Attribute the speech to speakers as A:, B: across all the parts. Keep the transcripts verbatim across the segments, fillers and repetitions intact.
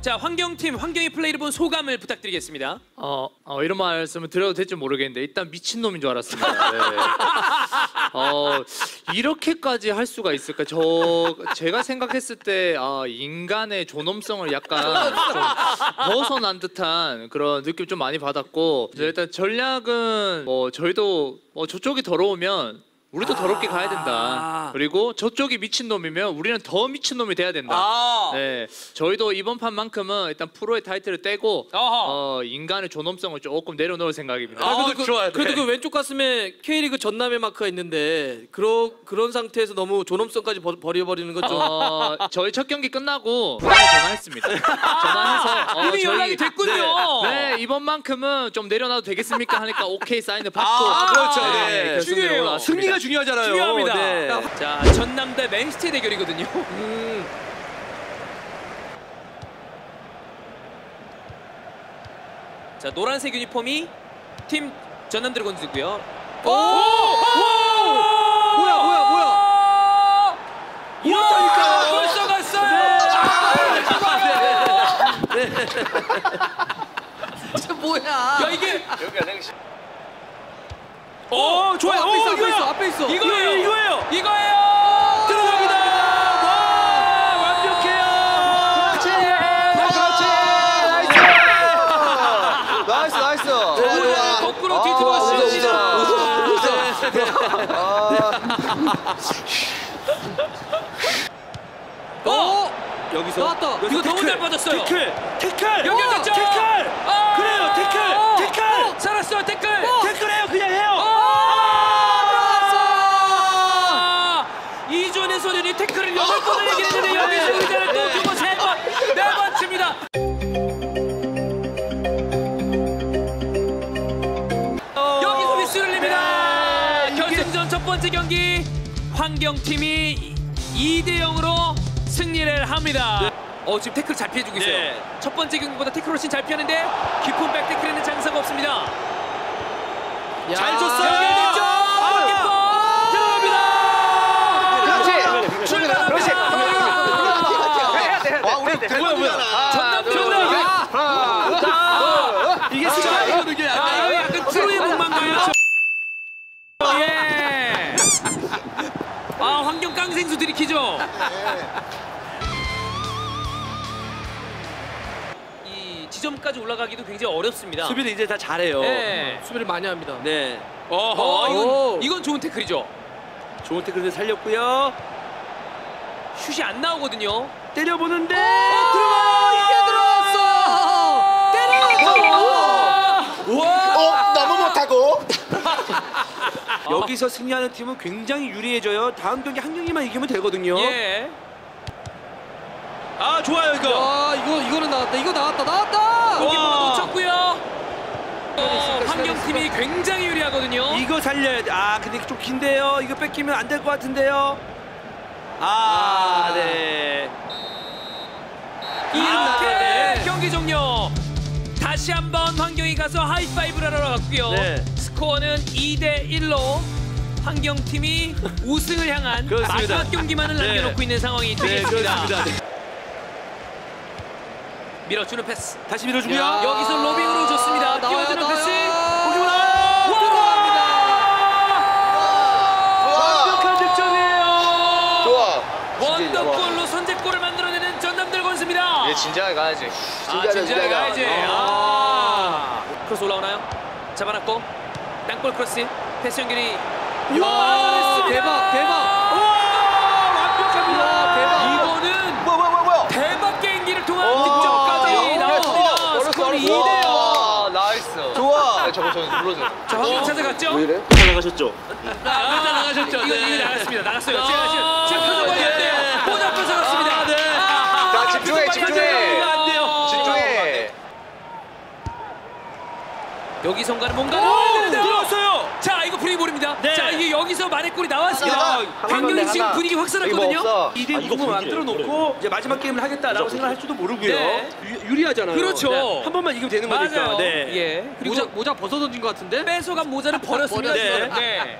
A: 자, 환경팀, 환경의 플레이를 본 소감을 부탁드리겠습니다.
B: 어, 어 이런 말씀을 드려도 될지 모르겠는데 일단 미친놈인 줄 알았습니다. 네. 어, 이렇게까지 할 수가 있을까? 저 제가 생각했을 때 아, 인간의 존엄성을 약간 좀 벗어난 듯한 그런 느낌 좀 많이 받았고 일단 전략은 뭐 저희도 뭐 저쪽이 더러우면 우리도 더럽게 가야 된다. 그리고 저쪽이 미친놈이면 우리는 더 미친놈이 돼야 된다.
A: 아
B: 네, 저희도 이번 판만큼은 일단 프로의 타이틀을 떼고 어, 인간의 존엄성을 조금 내려놓을 생각입니다.
C: 아, 그래도, 그, 좋아요. 그래도 그 왼쪽 가슴에 K리그 전남의 마크가 있는데 그런 그런 상태에서 너무 존엄성까지 버, 버려버리는 건 좀.
B: 어, 저희 첫 경기 끝나고 부산에 전화했습니다. 전화해서 어,
A: 이미
B: 저희,
A: 연락이 됐군요.
B: 네, 네, 이번만큼은 좀 내려놔도 되겠습니까? 하니까 오케이 사인을 받고.
C: 아, 그렇죠.
B: 네,
C: 네.
B: 결승으로
A: 중요해요.
B: 올라왔습니다.
C: 승리가 중요하잖아요.
A: 중요합니다.
C: 네.
A: 자, 전남 대 맨시티 대결이거든요.
C: 음.
A: 자, 노란색 유니폼이 팀 전남 드래곤즈고요.
C: 오! 오! 뭐야 뭐야 뭐야?
A: 이렇다니까 벌써 갔어요.
C: 네. 네. 진짜 뭐야?
A: 야, 이게
D: 여기가 냉시.
A: 어, 좋아요.
C: 앞에 있어,
A: 오,
C: 앞에
A: 이거야.
C: 있어, 앞에 있어.
A: 이거예요.
C: 이거예요.
A: 이거예요. 들어갑니다. 와, 완벽해요.
D: 그렇지. 그렇지. 나이스 나이스.
A: 오늘 거꾸로 뒤집어 씌웁니다. 어,
C: 여기서
A: 나왔다. 이거 너무 잘 빠졌어요.
C: 태클, 태클,
A: 연결됐죠?
C: 태클.
A: 아,
C: 그래요, 태클,
A: 어,
C: 태클.
A: 어, 살았어요, 태클.
C: 태클해요, 그냥 해요.
A: 아, 이존의 소년이 태클을 여덟 번을 얘기했는데 여기서 의자를 또 두 번, 세 번, 네 번 칩니다. 여기서 미스를 냅니다. 결승전 첫 번째 경기 환경팀이 이 대 영으로 승리를 합니다. 어, 지금 태클 잘 피해주고 있어요.
C: 네.
A: 첫 번째 경기보다 태클 훨씬 잘 피하는데 깊은 백태클에는 장사가 없습니다.
C: 잘 줬어요.
A: 연결됐죠?
C: 아,
A: 골키퍼 들어갑니다.
D: 그렇지.
A: 출발합니다.
D: 그렇지. 해야 돼. 와 우리 대박이잖아.
A: 전남 들어갑니다.
C: 이게 수비거든요.
A: 아, 여기 약간 트로이의 목만가요? 예. 아, 환경 깡생수 들이키죠? 이 지점까지 올라가기도 굉장히 어렵습니다.
C: 수비를 이제 다 잘해요.
A: 네.
C: 수비를 많이 합니다. 네.
A: 어, 이건,
C: 오.
A: 이건 좋은 태클이죠.
C: 좋은 태클을 살렸고요.
A: 슛이 안 나오거든요.
C: 때려보는데
A: 어, 들어가요!
C: 이게 들어갔어! 때렸어!
A: 와!
D: 어 너무 못하고.
C: 여기서 승리하는 팀은 굉장히 유리해져요. 다음 경기 한 경기만 이기면 되거든요.
A: 예.
C: 아 좋아요 이거. 아 이거 이거는 나왔다. 이거 나왔다. 나왔다.
A: 골키퍼가 놓쳤고요. 어, 환경팀이 굉장히 유리하거든요.
C: 이거 살려야 돼. 아 근데 좀 긴데요. 이거 뺏기면 안 될 것 같은데요. 아,
A: 아.
C: 네.
A: 이렇게
C: 아, 네.
A: 경기 종료. 다시 한번 환경이 가서 하이파이브를 하러 갔고요.
C: 네.
A: 스코어는 이 대 일로 환경팀이 우승을 향한
C: 그렇습니다.
A: 마지막 경기만을
C: 네.
A: 남겨놓고 있는 상황이
C: 네,
A: 되겠습니다.
C: 그렇습니다. 네.
A: 밀어주는 패스.
C: 다시 밀어주고요.
A: 야, 여기서 로빙으로 좋습니다. 뛰어드는 패스.
C: 완벽한 득점이에요.
D: 좋아.
A: 원더골로 선제골을 만들어내는 전남 드래곤즈입니다.
D: 얘 진지하게 가야지.
A: 아, 진지하게 가야지. 아. 크로스 올라오나요? 잡아놨고 땅볼 크로스 패스 연결이 와,
C: 대박, 대박.
A: 완벽합니다.
C: 대박.
A: 이거는
D: 뭐야 뭐야 뭐야.
A: 대박 게임기를 통한
D: 오,
A: 득점까지
D: 야,
A: 나옵니다. 스코어는 이 대 영.
D: 와, 나이스. 좋아. 저거 저 눌러줘.
A: 자, 황경 찾아갔죠?
D: 이래?
C: 나가셨죠?
A: 아,
C: 나가셨죠?
A: 이거
C: 네.
A: 이거 나갔습니다. 나갔어요.
C: 아,
A: 제가 지금 제가 표정
C: 네.
A: 관리했대요. 모자 뺏어갔습니다.
C: 아, 네.
D: 자, 집중해, 집중해.
A: 안 돼요.
D: 집중해.
A: 여기선가는 뭔가
C: 오,
A: 나와야 되는데요.
C: 들어왔어요.
A: 자, 이거 분위기 모릅니다.
C: 네.
A: 자, 이게 여기서 만회골이 나왔습니다.
D: 하나,
A: 굉장히
D: 하나,
A: 지금
D: 하나.
A: 분위기
D: 이거
A: 확산했거든요.
D: 없어.
C: 이 대 이거 만들어 놓고 이제 마지막 게임을 하겠다라고 생각할지도 모르고요.
A: 네.
C: 유, 유리하잖아요.
A: 그렇죠.
C: 네. 한 번만 이기면 되는 거니까.
A: 맞아요.
C: 네.
A: 예. 그리고
C: 모자 모자 벗어 던진 것 같은데?
A: 뺏어간 모자를 버렸습니다.
C: 네.
A: 네.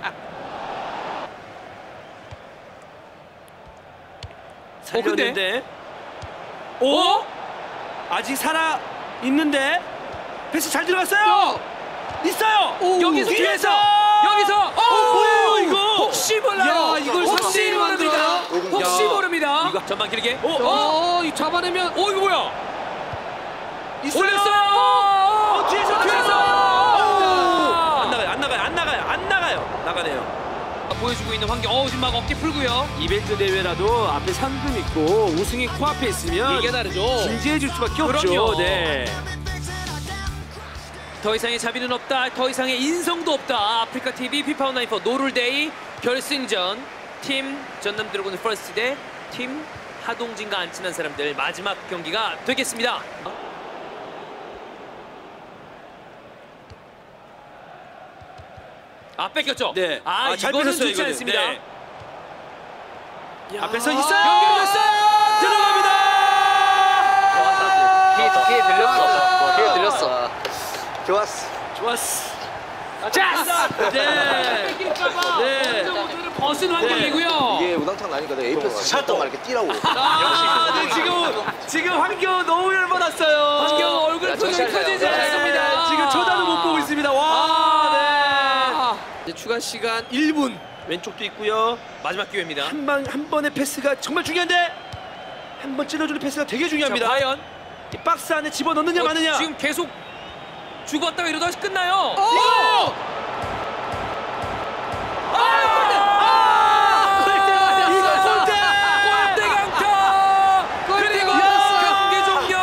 C: 살렸는데.
A: 오?
D: 아직 살아 있는데 패스 잘 들어갔어요. 있어요.
C: 오,
A: 여기서
D: 뒤에서.
A: 여기서
D: 어, 뭐예요 이거?
A: 혹시 몰라요.
C: 야, 이걸
A: 혹시
C: 삼 대 일로
A: 모릅니다.
C: 만들어요?
A: 혹시
C: 야.
A: 모릅니다.
D: 이거-
A: 전반 길게.
D: 어, 어,
C: 어, 이 잡아내면
A: 오 이거 뭐야?
D: 있어요.
A: 올렸어요.
D: 어, 뒤에서
A: 뒤에서.
D: 안 나가요. 안 나가요. 안 나가요. 안 나가요. 나가네요.
A: 보여주고 있는 환경. 어 지금 막 어깨 풀고요.
D: 이벤트 대회라도 앞에 상금 있고 우승이 코앞에 있으면
A: 이게 다르죠.
D: 진지해 줄 수밖에 없죠.
A: 그럼요.
D: 네.
A: 더 이상의 자비는 없다. 더 이상의 인성도 없다. 아프리카 티비 피파 온라인 포 노룰데이 결승전 팀 전남 드래곤 퍼스트 대 팀 하동진과 안 친한 사람들 마지막 경기가 되겠습니다. 아 뺏겼죠?
D: 네.
A: 아,
D: 아, 잘
A: 이거는
D: 뺏었어요,
A: 좋지
D: 이거는.
A: 않습니다.
D: 네.
C: 야.
D: 앞에서 있어요.
A: 연결됐어요.
D: 들어갑니다.
E: 귀에, 귀에 들렸어. 귀에 들렸어. 좋았어.
D: 좋았어.
A: 자,
D: 네.
A: 뺏길까봐
D: 네.
A: 모두를 벗은 환경이고요.
E: 이게 우당탕 나니까 내가 에이패스 샷동만 이렇게 뛰라고.
D: 아, 네, 지금 지금 환경 너무 열받았어요.
A: 환경 얼굴
E: 야,
A: 표정이
E: 정신
A: 펴지지
E: 차려.
A: 않습니다.
D: 네, 지금 쳐다도 못 보고 있습니다. 와,
A: 아,
C: 이제 추가 시간 일 분.
D: 네. 왼쪽도 있고요.
A: 마지막 기회입니다.
D: 한 방 한 번의 패스가 정말 중요한데 한 번 찔러주는 패스가 되게 중요합니다.
A: 자, 과연
D: 이 박스 안에 집어 넣느냐
A: 어,
D: 마느냐.
A: 지금 계속 죽었다가 이러다 끝나요.
D: 이거! 아! 골대! 이거 골대!
A: 골대 강타! 그리고 경기 종료!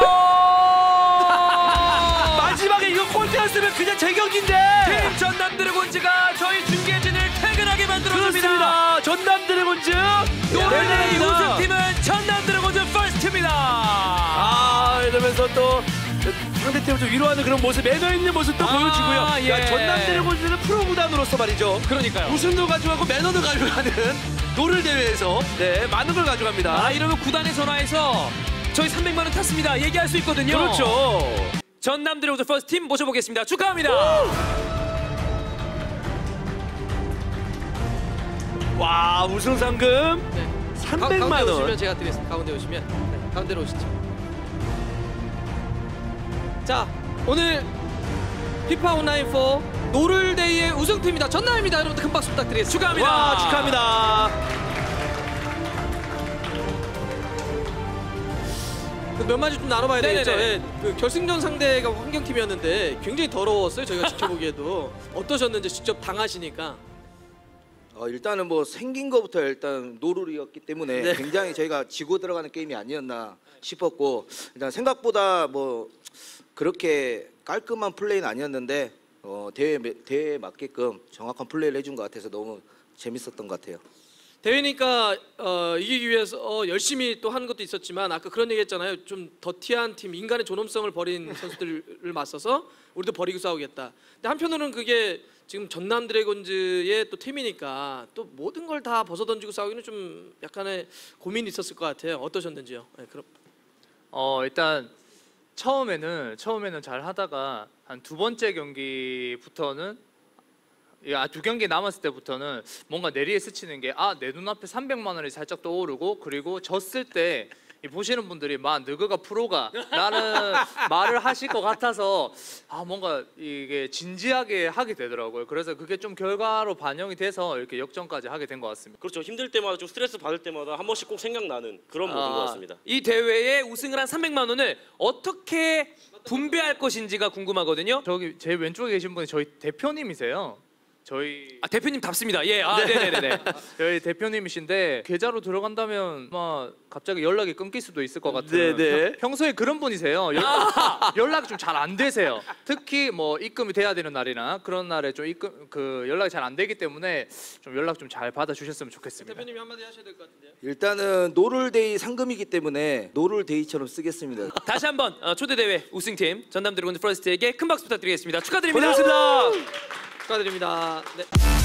D: 마지막에 이거 골대였으면 그냥 제 경기인데.
A: 팀 전남 드래곤즈가 저희 중계진을 퇴근하게 만들어줍니다.
D: 그렇습니다. 전남 드래곤즈
A: 노래의
D: 네,
A: 우승팀은 전남 드래곤즈 퍼스트입니다.
D: 아, 이러면서 또 상대팀을 좀 위로하는 그런 모습, 매너 있는 모습도
A: 아,
D: 보여주고요.
A: 예.
D: 야, 전남 드래곤즈는 프로 구단으로서 말이죠.
A: 그러니까요.
D: 우승도 가져가고 매너도 가져가는 노를 대회에서 네, 많은 걸 가져갑니다.
A: 아, 이러면 구단에 전화해서 저희 삼백만 원 탔습니다. 얘기할 수 있거든요.
D: 그렇죠.
A: 전남 드래곤즈 퍼스트팀 모셔보겠습니다. 축하합니다.
D: 와, 우승 상금
C: 네.
D: 삼백만
C: 가운데
D: 원.
C: 오시면 제가 드리겠습니다. 가운데 오시면. 네, 가운데로 오시죠. 자, 오늘 피파 온라인 사 노룰데이의 우승팀입니다. 전남입니다. 여러분들 큰 박수 부탁드리겠습니다.
A: 축하합니다.
D: 와, 축하합니다.
C: 그 몇 마디 좀 나눠봐야
A: 네네네.
C: 되겠죠. 예, 그 결승전 상대가 환경팀이었는데 굉장히 더러웠어요. 저희가 지켜보기에도. 어떠셨는지 직접 당하시니까.
E: 어, 일단은 뭐 생긴 거부터 일단 노룰이었기 때문에
D: 네.
E: 굉장히 저희가 지고 들어가는 게임이 아니었나 싶었고 일단 생각보다 뭐 그렇게 깔끔한 플레이는 아니었는데 어, 대회 대회에 맞게끔 정확한 플레이를 해준 것 같아서 너무 재밌었던 것 같아요.
C: 대회니까 어, 이기기 위해서 어, 열심히 또 하는 것도 있었지만 아까 그런 얘기 했잖아요. 좀 더티한 팀, 인간의 존엄성을 버린 선수들을 맞서서 우리도 버리고 싸우겠다. 근데 한편으로는 그게 지금 전남 드래곤즈의 또 팀이니까 또 모든 걸 다 벗어던지고 싸우기는 좀 약간의 고민이 있었을 것 같아요. 어떠셨는지요? 네, 그럼
B: 어 일단 처음에는 처음에는 잘 하다가 한 두 번째 경기부터는 야, 두 경기 남았을 때부터는 뭔가 내리에 스치는 게 아, 내 눈앞에 삼백만 원이 살짝 떠오르고 그리고 졌을 때 이 보시는 분들이 막 너가 프로가 라는 말을 하실 것 같아서 아 뭔가 이게 진지하게 하게 되더라고요. 그래서 그게 좀 결과로 반영이 돼서 이렇게 역전까지 하게 된 것 같습니다.
F: 그렇죠. 힘들 때마다 좀 스트레스 받을 때마다 한 번씩 꼭 생각나는 그런 모든 것 같습니다.
A: 이 대회에 우승을 한 삼백만 원을 어떻게 분배할 것인지가 궁금하거든요.
B: 저기 제 왼쪽에 계신 분이 저희 대표님이세요. 저희
A: 아, 대표님 답습니다. 예, 아, 네, 네, 네.
B: 저희 대표님이신데 계좌로 들어간다면 아마 갑자기 연락이 끊길 수도 있을 것 같은.
D: 네네.
B: 평- 평소에 그런 분이세요. 연락, 연락이 좀 잘 안 되세요. 특히 뭐 입금이 돼야 되는 날이나 그런 날에 좀 입금 그 연락이 잘 안 되기 때문에 좀 연락 좀 잘 받아주셨으면 좋겠습니다.
C: 대표님이 한마디 하셔야 될 것 같은데요.
E: 일단은 노룰데이 상금이기 때문에 노룰데이처럼 쓰겠습니다.
A: 다시 한번 어, 초대 대회 우승팀 전남 드래곤즈 퍼스트에게 큰 박수 부탁드리겠습니다. 축하드립니다.
D: 고생하셨습니다.
C: 축하드립니다. 네.